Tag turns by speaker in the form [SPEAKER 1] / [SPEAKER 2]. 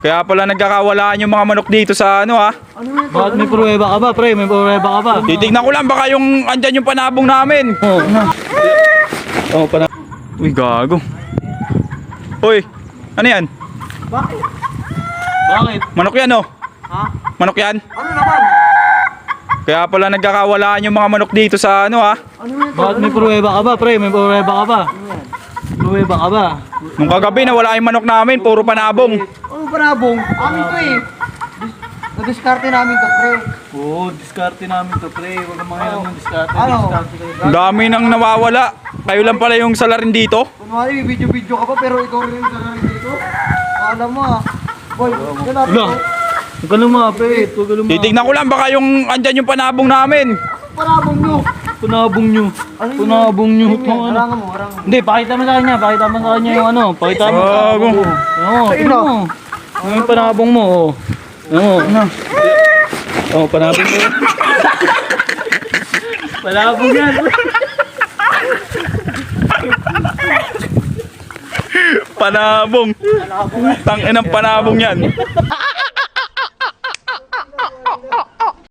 [SPEAKER 1] Kaya pala nagkakawalaan yung mga manok dito sa ano ha.
[SPEAKER 2] Bakit may pruweba ka ba, pre? May pruweba ka ba?
[SPEAKER 1] Titignan ko lang baka yung andyan yung panabong namin.
[SPEAKER 2] Oo, na. Oo, pa na.
[SPEAKER 1] Uy, gago. Uy, ano yan?
[SPEAKER 2] Bakit?
[SPEAKER 1] Manok yan oh.
[SPEAKER 2] Ha?
[SPEAKER 1] Manok yan.
[SPEAKER 2] Ano naman?
[SPEAKER 1] Kaya pala nagkakawalaan yung mga manok dito sa ano ha.
[SPEAKER 2] Bakit may pruweba ka ba, pre? May pruweba ka ba? Pruweba ka ba?
[SPEAKER 1] Nung kagabi nawala yung manok namin, puro panabong.
[SPEAKER 3] Ano panabong? Amin to eh. Na-discarte namin to, pre.
[SPEAKER 2] Oo, diskarte namin to, pre. Huwag kang mangyayang ng diskarte.
[SPEAKER 3] Ano?
[SPEAKER 2] Diskarte kayo.
[SPEAKER 1] Ang dami nang nawawala. Kayo lang pala yung salarin dito.
[SPEAKER 3] Kunwari, may video-video ka pa, pero ikaw rin yung sarili dito. Alam mo ah. Boy, yan natin
[SPEAKER 2] Wala.
[SPEAKER 3] to.
[SPEAKER 2] Huwag ka lumapit. Huwag ka lumapit.
[SPEAKER 1] Titignan ko lang baka yung andyan yung panabong namin.
[SPEAKER 3] Panabong nyo.
[SPEAKER 2] Punabong nyo.
[SPEAKER 3] Ano yun?
[SPEAKER 2] Punabong nyo.
[SPEAKER 3] Ano yun? Harangan mo, harangan mo.
[SPEAKER 2] Hindi, pakita mo sa kanya. Pakita mo sa kanya yung ano. Pakita mo.
[SPEAKER 1] Gago.
[SPEAKER 2] Oo,
[SPEAKER 3] Ayun,
[SPEAKER 2] tingnan
[SPEAKER 3] oh.
[SPEAKER 2] mo. Ano yung panabong mo? Oo. Oo, ano? Oo, panabong mo. Panabong yan.
[SPEAKER 1] Panabong. Tangin ng panabong yan.